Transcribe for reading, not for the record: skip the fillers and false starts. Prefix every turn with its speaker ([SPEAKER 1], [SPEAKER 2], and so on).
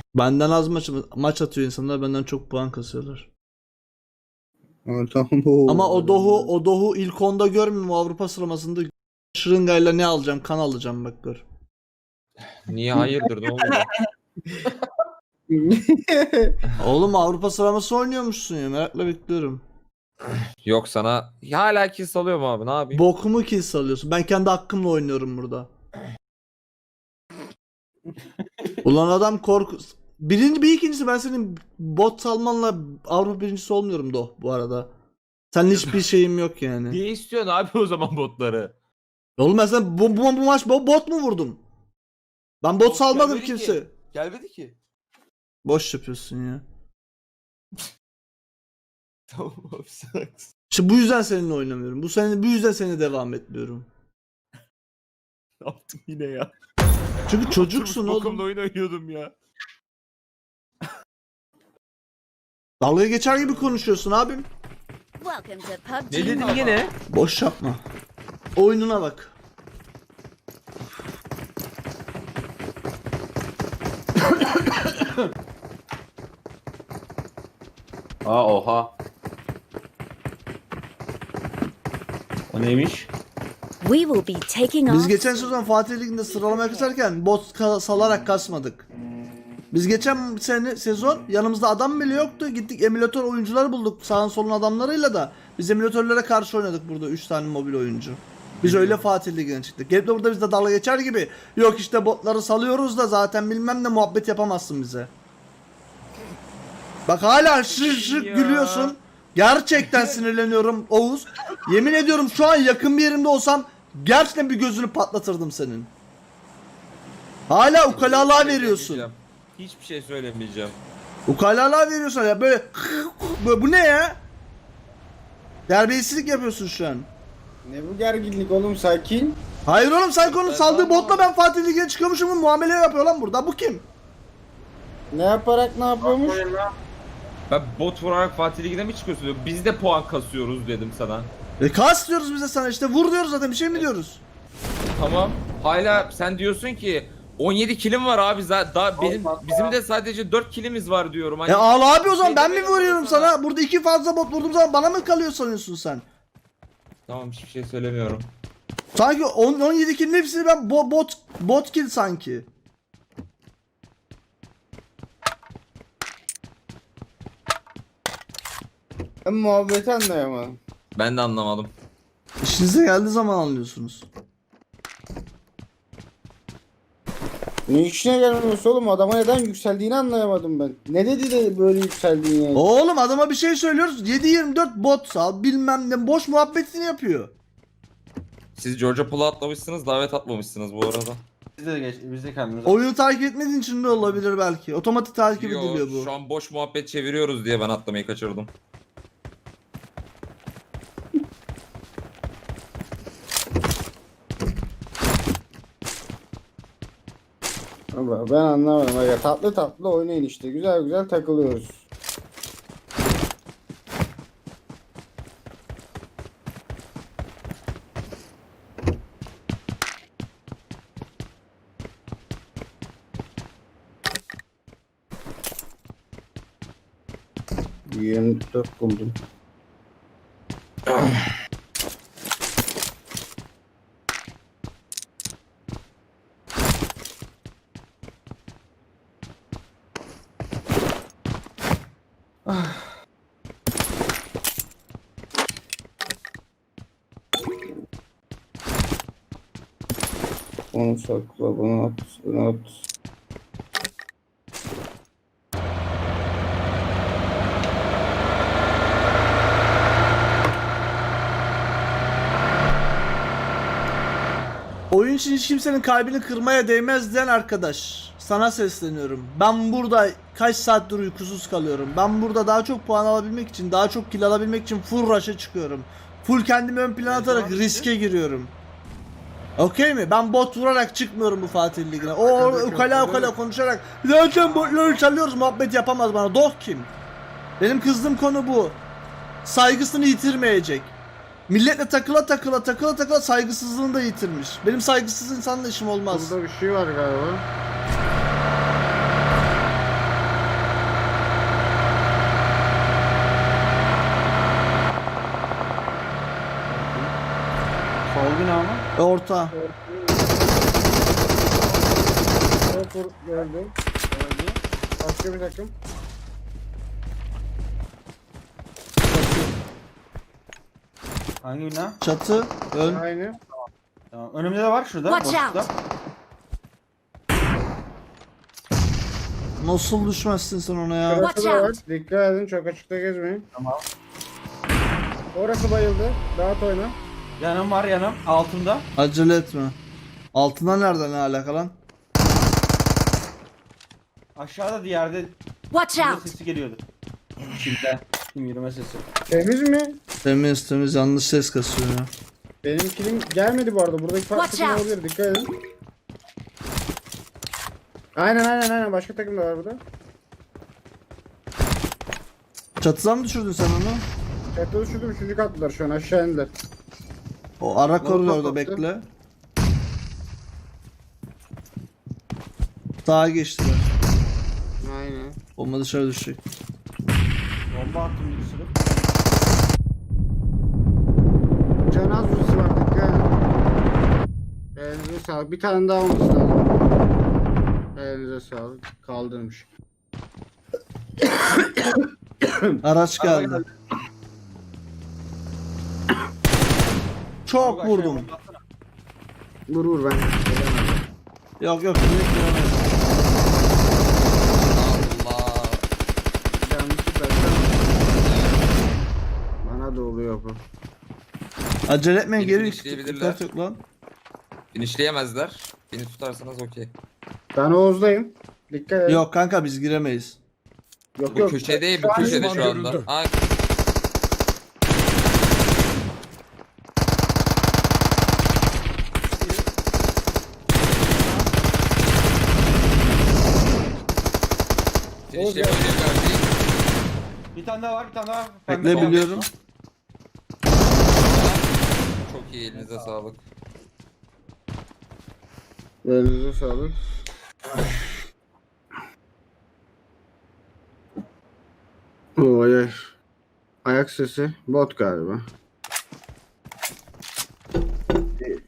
[SPEAKER 1] Benden az maç atıyor insanlar, benden çok puan kasıyorlar.
[SPEAKER 2] Tamam.
[SPEAKER 1] Ama o Dohu ilk 10'da görmüyorum Avrupa sıralamasında. Şırıngayla ne alacağım? Kan alacağım bak gör.
[SPEAKER 3] Niye hayırdır ne oldu?
[SPEAKER 1] Oğlum Avrupa sıralaması oynuyormuşsun ya, merakla bekliyorum.
[SPEAKER 3] Yok sana hala kill salıyorum abi ne yapayım?
[SPEAKER 1] Bokumu kill salıyorsun. Ben kendi hakkımla oynuyorum burada. Ulan adam korku... bir ikincisi ben senin bot salmanla Avrupa birincisi olmuyorum Doh bu arada. Senin hiçbir şeyim yok yani.
[SPEAKER 3] Niye istiyorsun abi o zaman botları?
[SPEAKER 1] Oğlum ben sana bu maç bot mu vurdum? Ben bot salmadım
[SPEAKER 4] gelmedi
[SPEAKER 1] kimse.
[SPEAKER 4] ki. Gelmedi ki.
[SPEAKER 1] Boş yapıyorsun ya.
[SPEAKER 4] Tamam abi sen haklısın.
[SPEAKER 1] İşte bu yüzden seninle oynamıyorum. Bu yüzden seninle devam etmiyorum.
[SPEAKER 4] Ne yaptım yine ya?
[SPEAKER 1] Çünkü çocuksun
[SPEAKER 4] Oturmuş bokumla
[SPEAKER 1] oğlum.
[SPEAKER 4] oyun oynuyordum ya.
[SPEAKER 1] Dalga geçer gibi konuşuyorsun abim.
[SPEAKER 5] Welcome to PUBG
[SPEAKER 3] Ne dedin
[SPEAKER 5] Mobile.
[SPEAKER 3] yine?
[SPEAKER 1] Boş yapma. Oyununa bak.
[SPEAKER 6] Oha. O neymiş?
[SPEAKER 5] We will be taking
[SPEAKER 1] Biz
[SPEAKER 5] off.
[SPEAKER 1] geçen sezon Fatih Ligi'nde sıralamaya kasarken bot salarak kasmadık. Biz geçen sezon yanımızda adam bile yoktu. Gittik emülatör oyuncuları bulduk sağın solun adamlarıyla da. Biz emülatörlere karşı oynadık burada 3 tane mobil oyuncu. Biz öyle Fatih Ligi'ne çıktık. Gelip de burada bizde dalga geçer gibi. Yok işte botları salıyoruz da zaten bilmem ne muhabbet yapamazsın bize. Bak hala şır şır
[SPEAKER 3] Ya.
[SPEAKER 1] gülüyorsun. Gerçekten sinirleniyorum Oğuz. Yemin ediyorum şu an yakın bir yerimde olsam gerçekten bir gözünü patlatırdım senin. Hala ukalalığa veriyorsun.
[SPEAKER 3] Hiçbir şey söylemeyeceğim.
[SPEAKER 1] Ukalalığa veriyorsun ya böyle, bu ne ya? Terbiyesizlik yapıyorsun şu an.
[SPEAKER 2] Ne bu gerginlik oğlum, sakin.
[SPEAKER 1] Hayır oğlum sen konu saldığı botla ben Fatih Ligi'ne çıkıyormuşum muamele yapıyor lan burada. Bu kim?
[SPEAKER 2] Ne yaparak ne yapıyormuş?
[SPEAKER 3] Ben bot vurarak Fatih Ligi'ne mi çıkıyorsun diyor. Biz de puan kasıyoruz dedim sana.
[SPEAKER 1] Kas diyoruz bize sana işte vur diyoruz zaten bir şey mi diyoruz?
[SPEAKER 3] Tamam. Hala sen diyorsun ki 17 kilim var abi daha bizim de sadece 4 kilimiz var diyorum. Hani
[SPEAKER 1] Ağla abi o zaman ben mi
[SPEAKER 3] demedim
[SPEAKER 1] vuruyorum
[SPEAKER 3] sana.
[SPEAKER 1] sana? Burada iki fazla bot vurduğum zaman bana mı kalıyor sanıyorsun sen?
[SPEAKER 3] Tamam hiçbir şey söylemiyorum.
[SPEAKER 1] Sanki 17 kill'in hepsini ben bot kill sanki.
[SPEAKER 2] Ben muhabbeti anlayamadım.
[SPEAKER 3] Ben de anlamadım.
[SPEAKER 1] İşinize geldiği zaman anlıyorsunuz.
[SPEAKER 2] Ne işine gelmiyorsa oğlum, adama neden yükseldiğini anlayamadım ben. Ne dedi de böyle yükseldiğini yani.
[SPEAKER 1] Oğlum adama bir şey söylüyoruz 7/24 bot sal bilmem ne boş muhabbetini yapıyor.
[SPEAKER 3] Siz Georgia Pool'a atlamışsınız davet atmamışsınız bu arada.
[SPEAKER 6] Biz de kendimiz.
[SPEAKER 1] Oyunu takip etmediğin için de olabilir belki. Otomatik takip ediliyor
[SPEAKER 3] Yo,
[SPEAKER 1] bu.
[SPEAKER 3] şu an boş muhabbet çeviriyoruz diye ben atlamayı kaçırdım.
[SPEAKER 2] Ben anlamadım. Ya tatlı tatlı oynayın işte. Güzel güzel takılıyoruz. ...24 buldum. Onu sakla, bunu at, bunu at.
[SPEAKER 1] Oyun için hiç kimsenin kalbini kırmaya değmez diyen arkadaş. Sana sesleniyorum. Ben burada kaç saattir uykusuz kalıyorum. Ben burada daha çok puan alabilmek için, daha çok kill alabilmek için full rush'a çıkıyorum. Full kendimi ön plana atarak riske giriyorum. Okey mi? Ben bot vurarak çıkmıyorum bu Fatih Ligi'ne. O ukala konuşarak zaten botları çalıyoruz muhabbet yapamaz bana. Doh kim? Benim kızdığım konu bu. Saygısını yitirmeyecek. Milletle takıla saygısızlığını da yitirmiş. Benim saygısız insanla işim olmaz.
[SPEAKER 2] Burada bir şey var galiba.
[SPEAKER 6] bina mı?
[SPEAKER 1] Orta.
[SPEAKER 2] Gördüm.
[SPEAKER 6] Öldü.
[SPEAKER 2] Başka bir takım.
[SPEAKER 6] Hangi bina?
[SPEAKER 1] Çatı. Ön.
[SPEAKER 2] Aynı.
[SPEAKER 6] Tamam. Önümde de var şurada.
[SPEAKER 5] Watch
[SPEAKER 6] boşlukta.
[SPEAKER 1] Nasıl düşmezsin sen ona ya?
[SPEAKER 2] Şurası
[SPEAKER 5] Watch
[SPEAKER 2] da var.
[SPEAKER 5] out.
[SPEAKER 2] Dikkat edin, çok açıkta gezmeyin.
[SPEAKER 6] Tamam.
[SPEAKER 2] Orası bayıldı. Rahat oyna.
[SPEAKER 6] Yanım var yanım. Altında.
[SPEAKER 1] Acele etme. Altından nereden ne alaka lan?
[SPEAKER 6] Aşağıda diğerde
[SPEAKER 5] Watch
[SPEAKER 6] yürüme
[SPEAKER 5] out!
[SPEAKER 6] sesi geliyordu. Şimdiden. Kim yürüme sesi.
[SPEAKER 2] Temiz mi?
[SPEAKER 1] Temiz temiz, yanlış ses kasıyor ya.
[SPEAKER 2] Benim kilim gelmedi bu arada. Buradaki farklı
[SPEAKER 5] Watch
[SPEAKER 2] takım
[SPEAKER 5] out.
[SPEAKER 2] olabilir. Dikkat edin. Aynen. Başka takım da var burada.
[SPEAKER 1] Çatıdan mı düşürdün sen onu?
[SPEAKER 2] Çatıda düşürdüm. Üçüncü kattılar şu an. Aşağı indiler.
[SPEAKER 1] O ara koridorda
[SPEAKER 2] kaptı.
[SPEAKER 1] bekle. Sağa geçtiler.
[SPEAKER 2] Aynen.
[SPEAKER 1] Bomba dışarı düşecek.
[SPEAKER 6] Bomba attım bir sürü.
[SPEAKER 2] Can az vurisi var. Dikkat edin. Elinize sağlık. Bir tane daha olması lazım. Elinize sağlık. Kaldırmış.
[SPEAKER 1] Araç
[SPEAKER 6] Araba
[SPEAKER 1] geldi.
[SPEAKER 6] geldi.
[SPEAKER 1] Çok
[SPEAKER 6] Aşağıya
[SPEAKER 1] vurdum.
[SPEAKER 6] bomba atsana.
[SPEAKER 2] Vur ben.
[SPEAKER 1] Yok yok. Direkt giremedim.
[SPEAKER 3] Allah.
[SPEAKER 2] Yanlışlıkla. Bana da oluyor bu.
[SPEAKER 1] Acele etmeyin,
[SPEAKER 3] Beni
[SPEAKER 1] geri
[SPEAKER 3] finishleyebilirler.
[SPEAKER 1] dikkat yok lan.
[SPEAKER 3] Finişleyemezler. Beni tutarsanız okey.
[SPEAKER 2] Ben Oğuz'dayım. Dikkat edin.
[SPEAKER 1] Yok kanka, biz giremeyiz.
[SPEAKER 2] Yok
[SPEAKER 3] Bu köşede, bu
[SPEAKER 2] Şu an
[SPEAKER 3] köşede
[SPEAKER 2] düşman
[SPEAKER 3] şu anda. Aa, finişleyebilirler değil.
[SPEAKER 6] Bir tane daha var, bir tane daha var.
[SPEAKER 1] Bekle,
[SPEAKER 6] Pembe
[SPEAKER 1] biliyorum.
[SPEAKER 3] Çok iyi, elinize sağlık.
[SPEAKER 2] Elinize sağlık. Oy ay. Ayak sesi. Bot galiba.